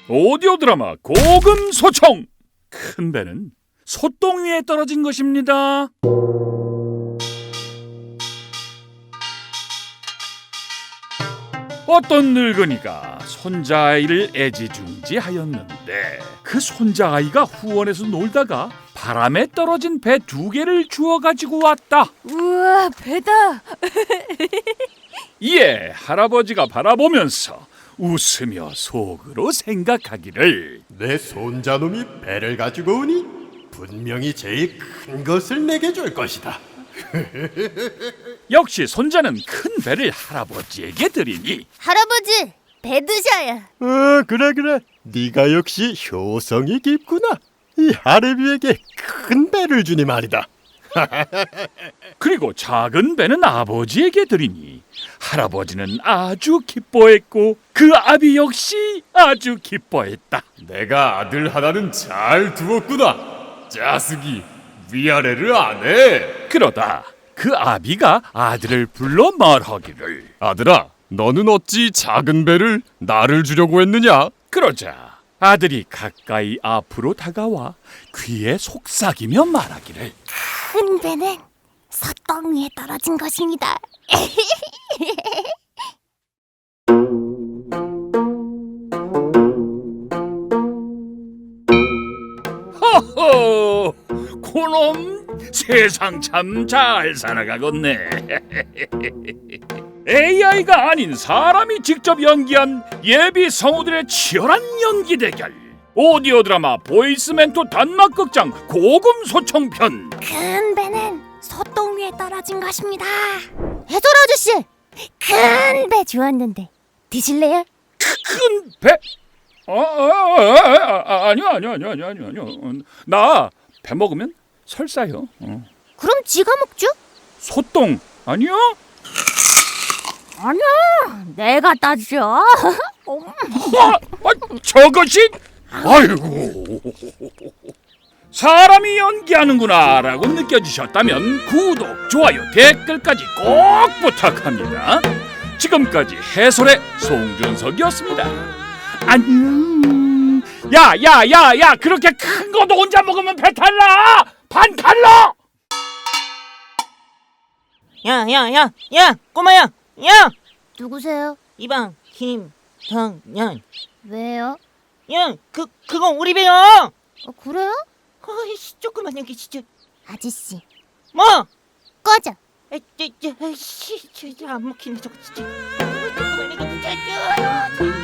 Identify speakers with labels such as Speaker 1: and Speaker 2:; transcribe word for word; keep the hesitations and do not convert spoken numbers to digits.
Speaker 1: 오디오 드라마 고금소총. 큰 배는 소똥 위에 떨어진 것입니다. 어떤 늙은이가 손자아이를 애지중지하였는데 그 손자아이가 후원에서 놀다가 바람에 떨어진 배 두 개를 주워 가지고 왔다.
Speaker 2: 우와, 배다.
Speaker 1: 이에 할아버지가 바라보면서 웃으며 속으로 생각하기를,
Speaker 3: 내 손자놈이 배를 가지고 오니 분명히 제일 큰 것을 내게 줄 것이다.
Speaker 1: 역시 손자는 큰 배를 할아버지에게 드리니
Speaker 2: 할아버지, 배 드셔요.
Speaker 3: 어, 그래 그래. 네가 역시 효성이 깊구나. 이 하레비에게 큰 배를 주니 말이다.
Speaker 1: 그리고 작은 배는 아버지에게 드리니 할아버지는 아주 기뻐했고 그 아비 역시 아주 기뻐했다.
Speaker 3: 내가 아들 하나는 잘 두었구나. 자식이 위아래를 안 해.
Speaker 1: 그러다 그 아비가 아들을 불러 말하기를,
Speaker 3: 아들아, 너는 어찌 작은 배를 나를 주려고 했느냐?
Speaker 1: 그러자 아들이 가까이 앞으로 다가와 귀에 속삭이며 말하기를,
Speaker 2: 큰 배는 소똥 위에 떨어진 것입니다.
Speaker 1: 허허, 그놈 세상 참 잘 살아가겠네. 에이아이가 아닌 사람이 직접 연기한 예비 성우들의 치열한 연기 대결. 오디오 드라마 보이스 멘토 단막극장 고금소총편.
Speaker 2: 큰 배는 소똥 위에 떨어진 것입니다. 해설 아저씨, 큰 배 주었는데 드실래요?
Speaker 1: 큰 배? 아, 아, 아, 아, 아니요, 아니요, 아니요, 아니요, 아니요, 아니요. 나 배 먹으면 설사요. 어.
Speaker 2: 그럼 지가 먹죠?
Speaker 1: 소똥 아니요?
Speaker 2: 아니야, 내가 따죠.
Speaker 1: 아, 아, 저것이? 아이고, 사람이 연기하는구나라고 느껴지셨다면 구독, 좋아요, 댓글까지 꼭 부탁합니다. 지금까지 해설의 송준석이었습니다. 안녕. 야, 야, 야, 야, 그렇게 큰 거도 혼자 먹으면 배탈나. 반 탈러.
Speaker 4: 야, 야, 야, 야, 꼬마야, 야!
Speaker 2: 누구세요?
Speaker 4: 이방 김동연.
Speaker 2: 왜요?
Speaker 4: 야, 그 그거 우리 배야.
Speaker 2: 어, 그래요?
Speaker 4: 아이씨, 조그만 여기 진짜.
Speaker 2: 아저씨,
Speaker 4: 뭐?
Speaker 2: 꺼져.
Speaker 4: 아, 저, 저, 씨, 진짜 안 먹히네 저거 진짜. 어, 조그만 여기 진짜.